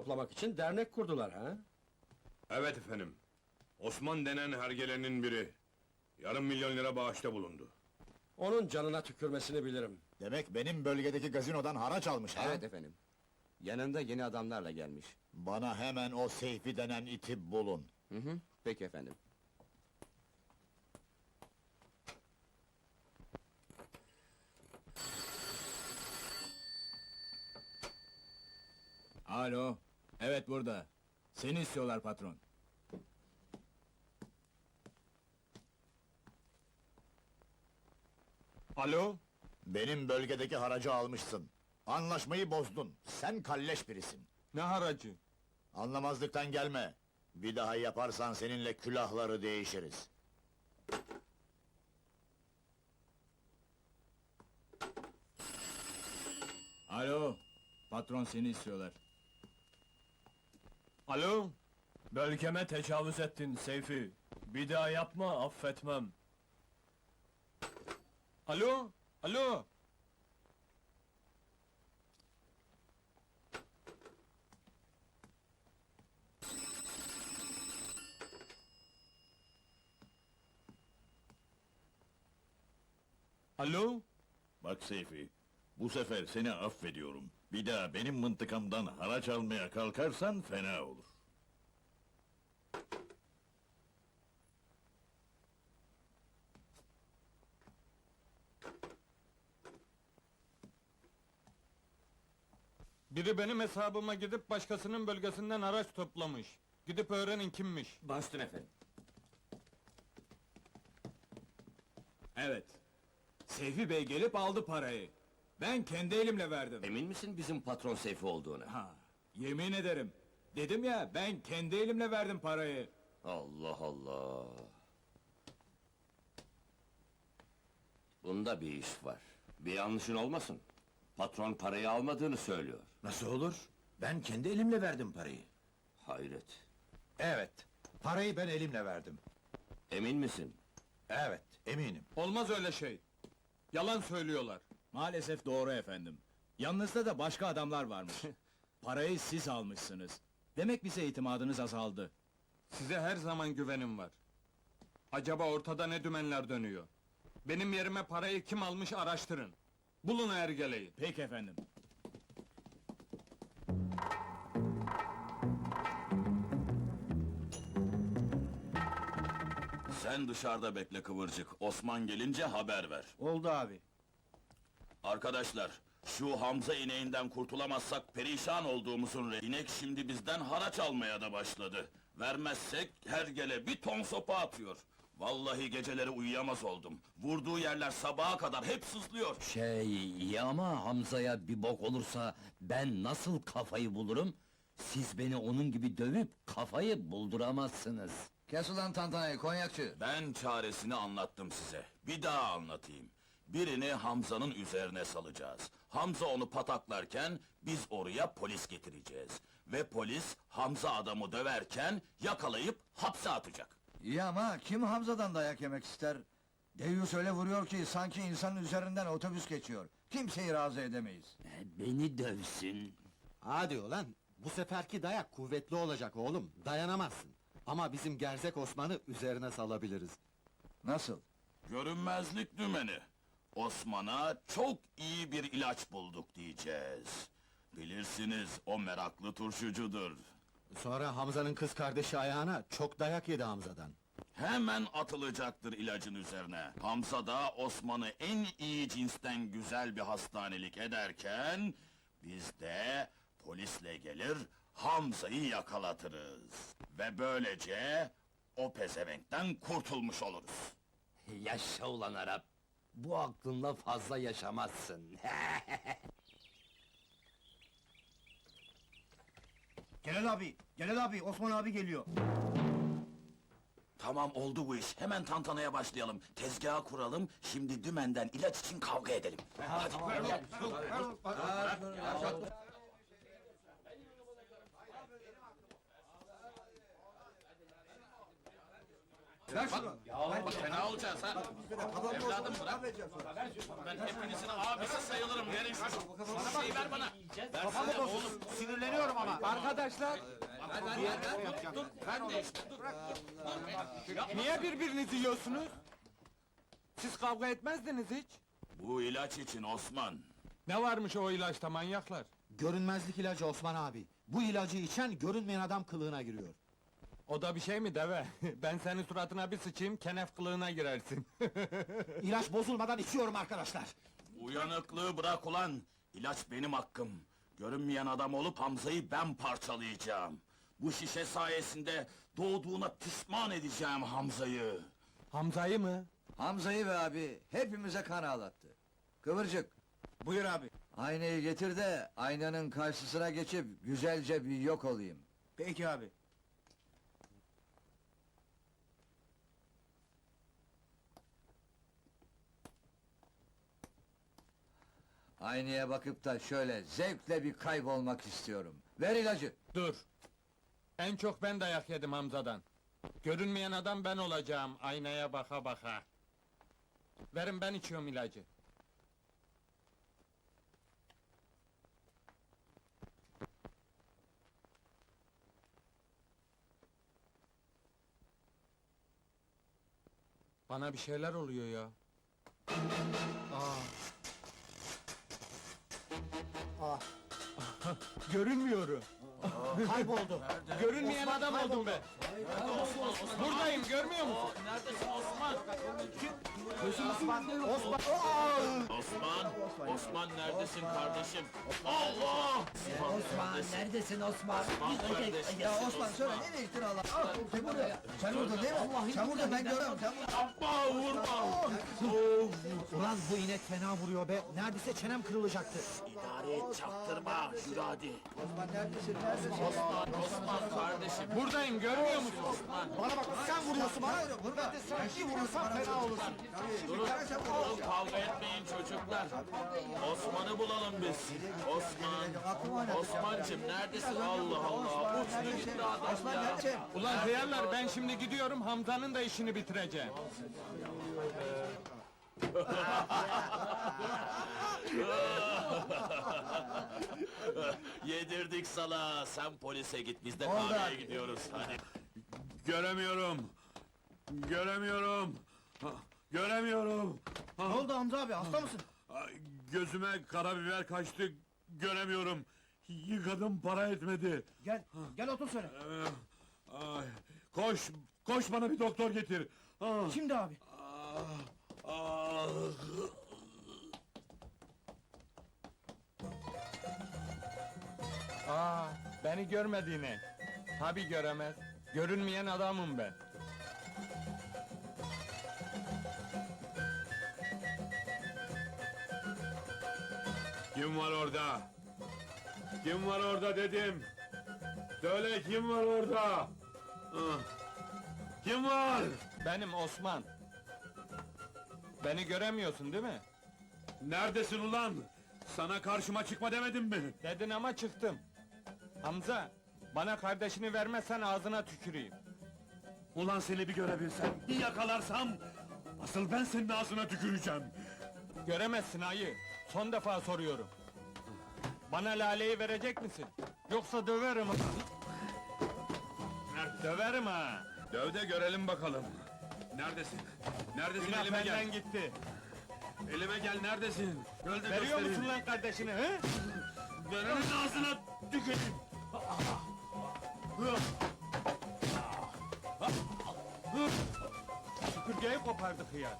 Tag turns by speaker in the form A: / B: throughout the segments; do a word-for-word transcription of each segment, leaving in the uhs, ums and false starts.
A: toplamak için dernek kurdular ha?
B: Evet efendim. Osman denen hergelenin biri. Yarım milyon lira bağışta bulundu.
A: Onun canına tükürmesini bilirim.
C: Demek benim bölgedeki gazinodan haraç almış ha?
D: Evet efendim. Yanında yeni adamlarla gelmiş.
C: Bana hemen o Seyfi denen iti bulun.
D: Hı hı, peki efendim.
E: Alo, evet burada. Seni istiyorlar patron.
B: Alo?
C: Benim bölgedeki haracı almışsın. Anlaşmayı bozdun. Sen kalleş birisin.
B: Ne haracı?
C: Anlamazlıktan gelme. Bir daha yaparsan seninle külahları değişiriz.
E: Alo, patron seni istiyorlar.
B: Alo?
F: Bölgeme tecavüz ettin Seyfi. Bir daha yapma, affetmem.
B: Alo? Alo? Alo?
G: Bak Seyfi, bu sefer seni affediyorum. Bir daha benim mıntıkamdan haraç almaya kalkarsan fena olur.
H: Biri benim hesabıma gidip başkasının bölgesinden araç toplamış. Gidip öğrenin kimmiş.
D: Bastın efendim.
E: Evet. Seyfi Bey gelip aldı parayı. Ben kendi elimle verdim.
D: Emin misin bizim patron Seyfi olduğuna?
E: Ha, yemin ederim. Dedim ya, ben kendi elimle verdim parayı.
D: Allah Allah! Bunda bir iş var. Bir yanlışın olmasın. Patron parayı almadığını söylüyor.
I: Nasıl olur? Ben kendi elimle verdim parayı.
D: Hayret!
I: Evet, parayı ben elimle verdim.
D: Emin misin?
I: Evet, eminim.
H: Olmaz öyle şey. Yalan söylüyorlar.
E: Maalesef doğru efendim. Yanınızda da başka adamlar varmış. Parayı siz almışsınız. Demek bize itimadınız azaldı.
H: Size her zaman güvenim var. Acaba ortada ne dümenler dönüyor? Benim yerime parayı kim almış araştırın. Bulun o ergeleyi.
E: Peki efendim.
G: Sen dışarıda bekle Kıvırcık, Osman gelince haber ver.
I: Oldu abi.
G: Arkadaşlar, şu Hamza ineğinden kurtulamazsak perişan olduğumuzun re... İnek şimdi bizden haraç almaya da başladı. Vermezsek hergele bir ton sopa atıyor. Vallahi geceleri uyuyamaz oldum. Vurduğu yerler sabaha kadar hep sızlıyor.
J: Şey, iyi ama Hamza'ya bir bok olursa ben nasıl kafayı bulurum? Siz beni onun gibi dövüp kafayı bulduramazsınız.
I: Kes ulan tantanayı, konyakçı!
G: Ben çaresini anlattım size. Bir daha anlatayım. Birini Hamza'nın üzerine salacağız. Hamza onu pataklarken biz oraya polis getireceğiz. Ve polis Hamza adamı döverken yakalayıp hapse atacak.
I: İyi ama kim Hamza'dan dayak yemek ister? Deyyus öyle vuruyor ki sanki insanın üzerinden otobüs geçiyor. Kimseyi razı edemeyiz.
J: Beni dövsün.
K: Hadi ulan, bu seferki dayak kuvvetli olacak oğlum, dayanamazsın. Ama bizim gerzek Osman'ı üzerine salabiliriz.
I: Nasıl?
G: Görünmezlik dümeni. Osman'a çok iyi bir ilaç bulduk diyeceğiz. Bilirsiniz, o meraklı turşucudur.
K: Sonra Hamza'nın kız kardeşi ayağına çok dayak yedi Hamza'dan.
G: Hemen atılacaktır ilacın üzerine. Hamza da Osman'ı en iyi cinsten güzel bir hastanelik ederken... ...biz de polisle gelir, Hamza'yı yakalatırız. Ve böylece o pezevenkten kurtulmuş oluruz.
J: Yaşa ulan Arap! Bu aklınla fazla yaşamazsın.
I: Celal abi, Celal abi, Osman abi geliyor.
G: Tamam, oldu bu iş. Hemen tantanaya başlayalım. Tezgahı kuralım, şimdi dümenden ilaç için kavga edelim. Hadi.
I: Ver şunu.
G: Bak fena olacağız ha. Evladım bırak. Ben hepinizin abisi sayılırım. Verin şu şeyi ver bana. Versene oğlum. Sinirleniyorum ama.
H: Arkadaşlar,
G: Ben de işte. Dur.
H: niye birbirinizi yiyorsunuz? Siz kavga etmezdiniz hiç.
G: Bu ilaç için Osman.
H: Ne varmış o ilaçta manyaklar?
K: Görünmezlik ilacı Osman abi. Bu ilacı içen görünmeyen adam kılığına giriyor.
H: O da bir şey mi deve? Ben senin suratına bir sıçayım, kenef kılığına girersin.
K: İlaç bozulmadan içiyorum arkadaşlar.
G: Uyanıklığı bırak ulan. İlaç benim hakkım. Görünmeyen adam olup Hamza'yı ben parçalayacağım. Bu şişe sayesinde doğduğuna pişman edeceğim Hamza'yı.
H: Hamza'yı mı?
I: Hamza'yı be abi, hepimize kan ağlattı. Kıvırcık,
E: Buyur abi.
I: aynayı getir de aynanın karşısına geçip güzelce bir yok olayım.
E: Peki abi.
I: Aynaya bakıp da şöyle zevkle bir kaybolmak istiyorum. Ver ilacı.
H: Dur. En çok ben dayak yedim Hamza'dan. Görünmeyen adam ben olacağım, aynaya baka baka. Verin ben içiyorum ilacı. Bana bir şeyler oluyor ya. Aa. Görünmüyorum.
K: Kayboldu.
H: Görünmeyen adam oldum ben. Buradayım, görmüyor musun?
G: Neredesin Osman?
K: Osman!
G: Osman, Osman neredesin kardeşim? Allah!
J: Osman, neredesin Osman?
G: kardeşim.
I: Ya Osman söyle, nereye gittin Allah? Sen burada, sen burada değil mi? Sen burada, ben görüyorum, sen burada.
G: Yapma, vurma!
K: Ulan bu inek fena vuruyor be. Neredeyse çenem kırılacaktı.
G: İdare et, çaktırma, yürü hadi.
I: Osman neredesin, neredesin?
G: Osman, Osman kardeşim.
H: Buradayım, görmüyor musun?
K: Bana bak, sen vuruyorsun bana.
I: Vurma,
K: Sen bir vurursan fena olursun.
G: Durun, durun, kavga etmeyin çocuklar. Osman'ı bulalım biz. Osman, Osman'cım neredesin? Allah Allah, uçtu gitti adam ya.
H: Ulan hıyarlar, ben şimdi gidiyorum, Hamza'nın da işini bitireceğim.
G: Yedirdik sana, sen polise git, biz de kahveye gidiyoruz, hadi.
B: Göremiyorum. Göremiyorum. Ha, Göremiyorum.
K: Ne oldu Hamza abi, hasta mısın?
B: Ay, Gözüme karabiber kaçtı. Göremiyorum. Yıkadım, para etmedi.
K: Gel, gel otur söyle.
B: Ee, ay, koş, koş bana bir doktor getir. Ah,
K: Şimdi abi.
B: ah, ah.
H: Aa, beni görmediğine. Tabi göremez. Görünmeyen adamım ben.
B: Kim var orada? Kim var orada dedim. Söyle kim var orada? Ah. Kim var?
H: Benim Osman. Beni göremiyorsun değil mi?
B: Neredesin ulan? Sana karşıma çıkma demedim mi?
H: Dedin ama çıktım. Hamza, bana kardeşini vermezsen ağzına tüküreyim.
B: Ulan seni bir görebilsem, bir yakalarsam... ...asıl ben senin ağzına tüküreceğim.
H: Göremezsin ayı. Son defa soruyorum. Bana laleyi verecek misin? Yoksa döverim. Döverim ha.
B: Döv de görelim bakalım. Neredesin? Neredesin,
H: Günah
B: elime gel.
H: benden gitti.
B: Elime gel, neredesin? Gel de
H: Veriyor
B: göstereyim.
H: musun lan kardeşini he?
B: Verenin ağzına tüküreyim.
H: Süpürgeyi kopardık ya.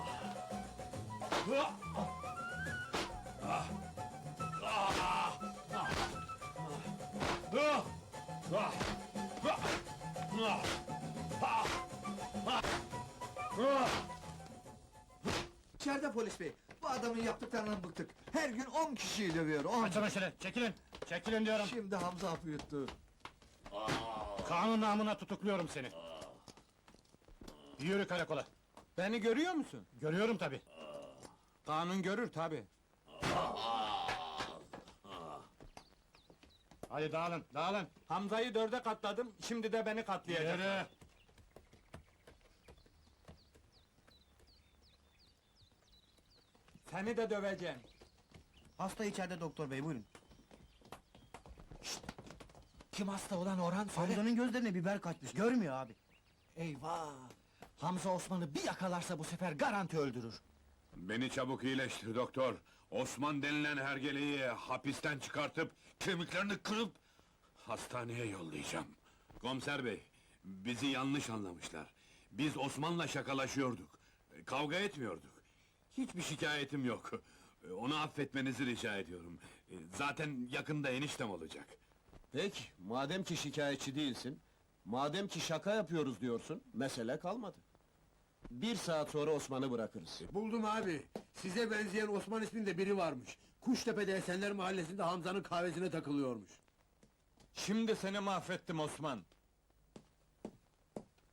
I: İçeride polis bey, bu adamın yaptıklarından bıktık. Her gün on kişiyi dövüyor, on.
H: Açın şöyle, çekilin. Çekilin diyorum.
I: Şimdi Hamza hapı yuttu.
H: Kanun namına tutukluyorum seni. Yürü karakola. Beni görüyor musun? Görüyorum tabi. Kanun görür tabi. Hadi dağılın, dağılın. Hamza'yı dörde katladım, şimdi de beni katlayacak. Yürü. Seni de döveceğim.
I: Hasta içeride doktor bey, buyurun.
K: Kim hasta olan Orhan söyle.
I: Hamza'nın gözlerine biber kaçmış, görmüyor abi.
K: Eyvah! Hamza Osman'ı bir yakalarsa bu sefer garanti öldürür.
B: Beni çabuk iyileştir doktor. Osman denilen hergeleyi hapisten çıkartıp kemiklerini kırıp hastaneye yollayacağım. Komiser bey, bizi yanlış anlamışlar. Biz Osman'la şakalaşıyorduk. Kavga etmiyorduk. Hiçbir şikayetim yok. Onu affetmenizi rica ediyorum. Zaten yakında eniştem olacak.
A: Peki, madem ki şikayetçi değilsin, madem ki şaka yapıyoruz diyorsun, mesele kalmadı. Bir saat sonra Osman'ı bırakırız.
L: Buldum abi. Size benzeyen Osman isminde biri varmış. Kuştepe'de Esenler Mahallesi'nde Hamza'nın kahvesine takılıyormuş.
H: Şimdi seni mahvettim Osman.